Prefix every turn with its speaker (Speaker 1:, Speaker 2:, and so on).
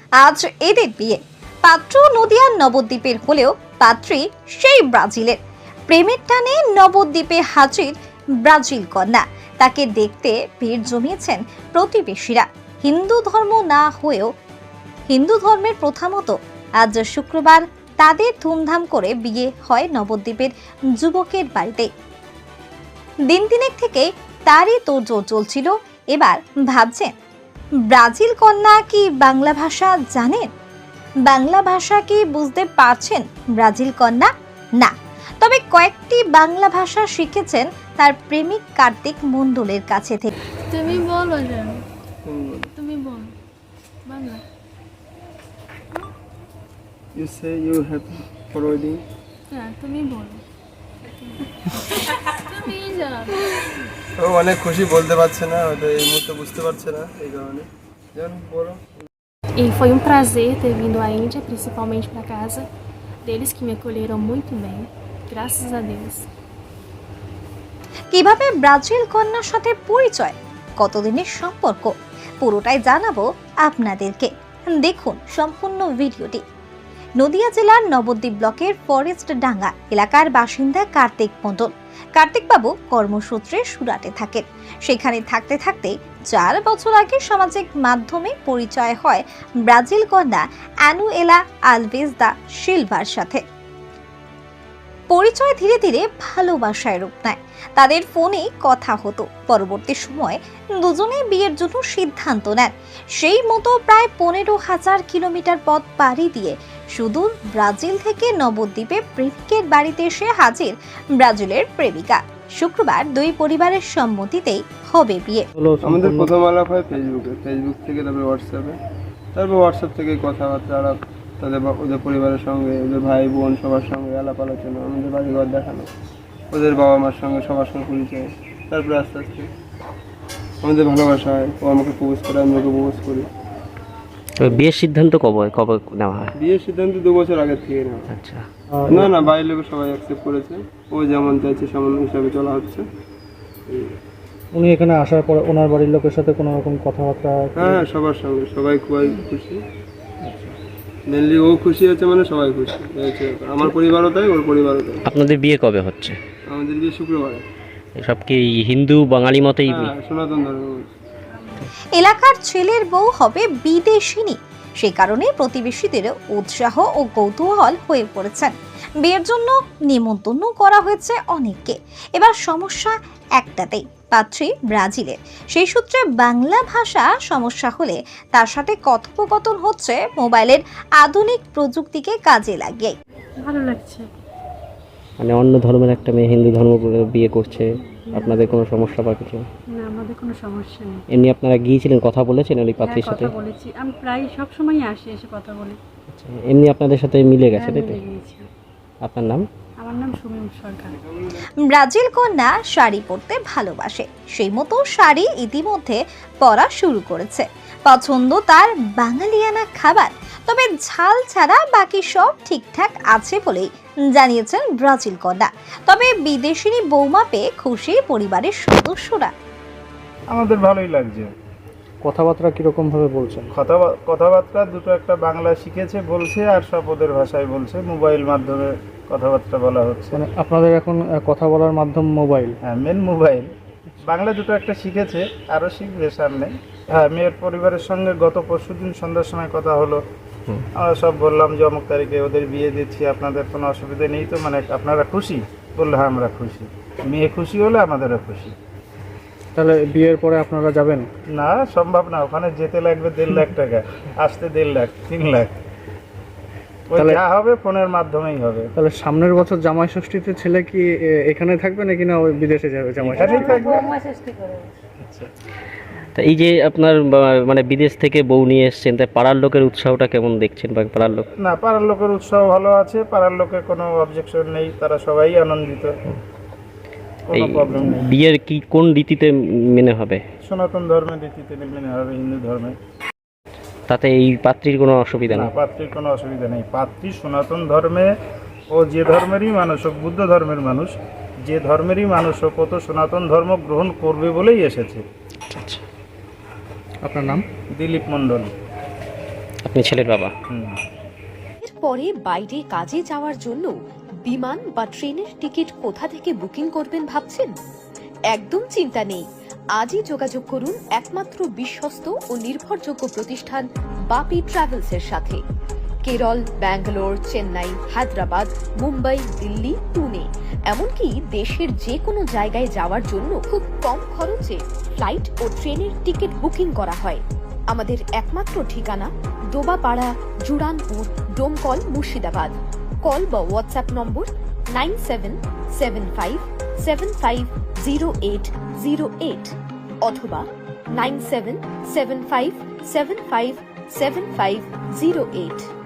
Speaker 1: আজ এদের বিয়ে। পাত্র নদিয়ার নবদ্বীপের হলেও পাত্রী সেই ব্রাজিলের। প্রেমের টানে নবদ্বীপে হাজির ব্রাজিল কন্যা। তাকে দেখতে ভিড় জমিয়েছেন প্রতিবেশীরা। হিন্দু ধর্ম না হয়েও হিন্দু ধর্মের প্রথা মতো আজ শুক্রবার তাদের ধুমধাম করে বিয়ে হয় নবদ্বীপের যুবকের বাড়িতে। দিন তিনেক থেকে তারই তোড়জোড় চলছিল। এবার ভাবছেন, ব্রাজিল কন্যা কি বাংলা ভাষা জানেন? বাংলা ভাষা কি বুঝতে পারছেন ব্রাজিল কন্যা? না, তবে কয়েকটি বাংলা ভাষা শিখেছেন তার প্রেমিক কার্তিক মণ্ডলের কাছে থেকে।
Speaker 2: তুমি বলো যেন, তুমি বলো Bangla.
Speaker 3: You say you have already.
Speaker 2: হ্যাঁ তুমি বলো, তুমি যাও।
Speaker 3: ও অনেক খুশি, বলতে পারছে না, হয়তো এই মুহূর্তে বুঝতে পারছে না, এই কারণে। যেন বলো।
Speaker 2: E foi prazer ter vindo à Índia, principalmente para casa deles que me acolheram muito bem, graças a Deus.
Speaker 1: কিভাবে ব্রাজিল কন্যার সাথে পরিচয়, কতদিনের সম্পর্ক, পুরোটাই জানাবো আপনাদেরকে। দেখুন সম্পূর্ণ ভিডিওটি। নদিয়া জেলার নবদ্বীপ ব্লকের ফরেস্ট ডাঙ্গা এলাকার বাসিন্দা কার্তিক মণ্ডল। কার্তিকবাবু কর্মসূত্রে সুরাটে থাকেন। সেখানে থাকতে থাকতে 4 বছর আগে সামাজিক মাধ্যমে পরিচয় হয় ব্রাজিল কন্যা অ্যানুয়েলা আলভেজ দা সিলভার সাথে। পরিচয় ধীরে ধীরে ভালোবাসায় রূপ নেয়। তাদের ফোনে কথা হতো। পরবর্তী সময় দুজনেই বিয়ের জন্য সিদ্ধান্ত নেন। সেই মতো প্রায় 15,000 কিলোমিটার পথ পাড়ি দিয়ে সুদূর ব্রাজিল থেকে নবদ্বীপে প্রেমিকের বাড়িতে এসে হাজির ব্রাজিলের প্রেমিকা। শুক্রবার দুই পরিবারের সম্মতিতেই হবে বিয়ে।
Speaker 3: আমাদের প্রথম আলাপ হয় ফেসবুক থেকে, তারপরে হোয়াটসঅ্যাপ থেকে কথাবার্তা আলাপ, ওদের পরিবারের সঙ্গে, ওদের ভাই বোন সবার সঙ্গে আলাপ আলোচনা, আমাদের বাড়িঘর দেখানো, ওদের বাবা মার সঙ্গে সবার সঙ্গে পরিচয়। তারপরে আস্তে আস্তে আমাদের ভালোবাসা হয়। ও আমাকে প্রপোজ করে, আমি ওকে প্রপোজ করি।
Speaker 4: বিয়ের সিদ্ধান্ত কবে নেওয়া হয়?
Speaker 3: বিয়ের সিদ্ধান্ত 2 বছর আগে থেকে নেওয়া।
Speaker 4: আচ্ছা,
Speaker 3: না বাইরের লোক সবাই অ্যাকসেপ্ট করেছে। ও যেমন চাইছে সেমন হিসাবে চলা হচ্ছে।
Speaker 5: উনি এখানে আসার পরে ওনার বাড়ির লোকের সাথে কোনো রকম কথাবার্তা?
Speaker 3: হ্যাঁ, সবার সঙ্গে সবাই খুবই খুশি। মেনলি ও খুশি আছে, মানে সবাই খুশি হয়েছে। আমার পরিবারও তাই, ওর পরিবারও তাই।
Speaker 4: আপনাদের বিয়ে কবে হচ্ছে?
Speaker 3: আমাদের বিয়ে শুক্রবারে।
Speaker 4: সব কি হিন্দু বাঙালি মতেই?
Speaker 3: হ্যাঁ, সনাতন ধর্ম।
Speaker 1: এলাকার ছেলের বউ হবে বিদেশিনী। সেই কারণে প্রতিবেশীদের উৎসাহ ও কৌতূহল হয়ে পড়েছেন। বিয়ের জন্য নিমন্ত্রণ করা হয়েছে অনেককে। এবার সমস্যা একটাতেই, পাত্রী ব্রাজিলের। সেই সূত্রে বাংলা ভাষা সমস্যা হলে তার সাথে কথোপকথন হচ্ছে মোবাইলের আধুনিক প্রযুক্তিকে কাজে লাগিয়ে।
Speaker 2: ভালো লাগছে।
Speaker 4: মানে অন্য ধর্মের একটা মেয়ে হিন্দু ধর্ম বিয়ে করছে, আপনাদের কোনো সমস্যা বা কিছু?
Speaker 2: না, আমাদের কোনো সমস্যা নেই।
Speaker 4: এমনি আপনারা গিয়েছিলেন, কথা বলেছেন ওই পাত্রীর সাথে?
Speaker 2: কথা বলেছি, আমি প্রায় সব সময় আসি, এসে কথা বলি।
Speaker 4: আচ্ছা, এমনি আপনাদের সাথে মিলে গেছে, তাই তো?
Speaker 2: মিলে গিয়েছি।
Speaker 4: আপনার নাম?
Speaker 2: আমার নাম সুমিম সরকার।
Speaker 1: ব্রাজিল কন্যা শাড়ি পরতে ভালোবাসে। সেই মতো শাড়ি ইতিমধ্যে পরা শুরু করেছে। পছন্দ তার বাঙালিয়ানা খাবার, তবে ঝাল ছাড়া বাকি সব ঠিকঠাক আছে বলেই জানিয়েছেন ব্রাজিল কন্যা। তবে বিদেশিনী বৌমা পেয়ে খুশি পরিবারের সদস্যরা।
Speaker 6: আমাদের ভালোই লাগছে।
Speaker 5: কথাবার্তা কিরকম ভাবে বলছেন?
Speaker 6: কথাবার্তা দুটো একটা বাংলা শিখেছে বলছে, আর সব ওদের ভাষায় বলছে। মোবাইল মাধ্যমে কথাবার্তা বলা হচ্ছে।
Speaker 5: মানে আপনাদের এখন কথা বলার মাধ্যম মোবাইল?
Speaker 6: হ্যাঁ, মেন মোবাইল। বাংলা দুটো একটা শিখেছে, আরও শিখবে সামনে। হ্যাঁ, মেয়ের পরিবারের সঙ্গে গত পরশুদিন সন্ধ্যার সময় কথা হলো। আমরা সব বললাম যে অমুক তারিখে ওদের বিয়ে দিচ্ছি, আপনাদের কোনো অসুবিধা নেই তো? মানে আপনারা খুশি? বললো হ্যাঁ আমরা খুশি। মেয়ে খুশি হলে আমাদেরও খুশি।
Speaker 5: তাহলে বিয়ের পরে আপনারা যাবেন?
Speaker 6: না, সম্ভব না। ওখানে যেতে লাগবে 1.5 লাখ টাকা, আসতে 1.5 লাখ, 3 লাখ। ওই যা হবে ফোনের মাধ্যমেই হবে।
Speaker 5: তাহলে সামনের বছর জামাই ষষ্ঠীতে ছেলে কি এখানে থাকবে নাকি না ওই বিদেশে যাবে জামাই?
Speaker 6: এখানেই থাকবে।
Speaker 4: তা এই যে আপনার মানে বিদেশ থেকে বউ নিয়ে এসছেন, তাই পাড়ার লোকের উৎসাহটা কেমন দেখছেন? বা পাড়ার লোক?
Speaker 6: না, পাড়ার লোকের উৎসাহ ভালো আছে। পাড়ার লোকের কোনো অবজেকশন নেই, তারা সবাই আনন্দিত, কোনো প্রবলেম নেই।
Speaker 4: বিয়ের কি কোন রীতিতে মেনে হবে?
Speaker 6: সনাতন ধর্মের রীতিতে মেনে হবে, হিন্দু ধর্মে।
Speaker 4: তাতে এই পাত্রীর কোনো অসুবিধা
Speaker 6: না,
Speaker 4: নেই?
Speaker 6: পাত্রীর কোনো অসুবিধা নেই। পাত্রী সনাতন ধর্মে, ও যে ধর্মেরই মানুষ হোক, বুদ্ধ ধর্মের মানুষ, যে ধর্মেরই মানুষ হোক, ও তো সনাতন ধর্ম গ্রহণ করবে বলেই এসেছে।
Speaker 4: আচ্ছা,
Speaker 5: আপনার নাম?
Speaker 6: দিলীপ মণ্ডল।
Speaker 4: আপনি ছেলের বাবা।
Speaker 7: পরে বাইরে কাজে যাওয়ার জন্য বিমান বা ট্রেনের টিকিট কোথা থেকে বুকিং করবেন ভাবছেন? একদম চিন্তা নেই, আজই যোগাযোগ করুন একমাত্র বিশ্বস্ত ও নির্ভরযোগ্য প্রতিষ্ঠান বাপি ট্রাভেলসের সাথে। কেরল, ব্যাঙ্গালোর, চেন্নাই, হায়দ্রাবাদ, মুম্বাই, দিল্লি, পুনে, এমনকি দেশের যে কোনো জায়গায় যাওয়ার জন্য খুব কম খরচে ফ্লাইট ও ট্রেনের টিকিট বুকিং করা হয়। আমাদের একমাত্র ঠিকানা ডোবাপাড়া, জুরানপুর, ডোমকল, মুর্শিদাবাদ। কল বা হোয়াটসঅ্যাপ নম্বর 9775750808 অথবা 9775757508।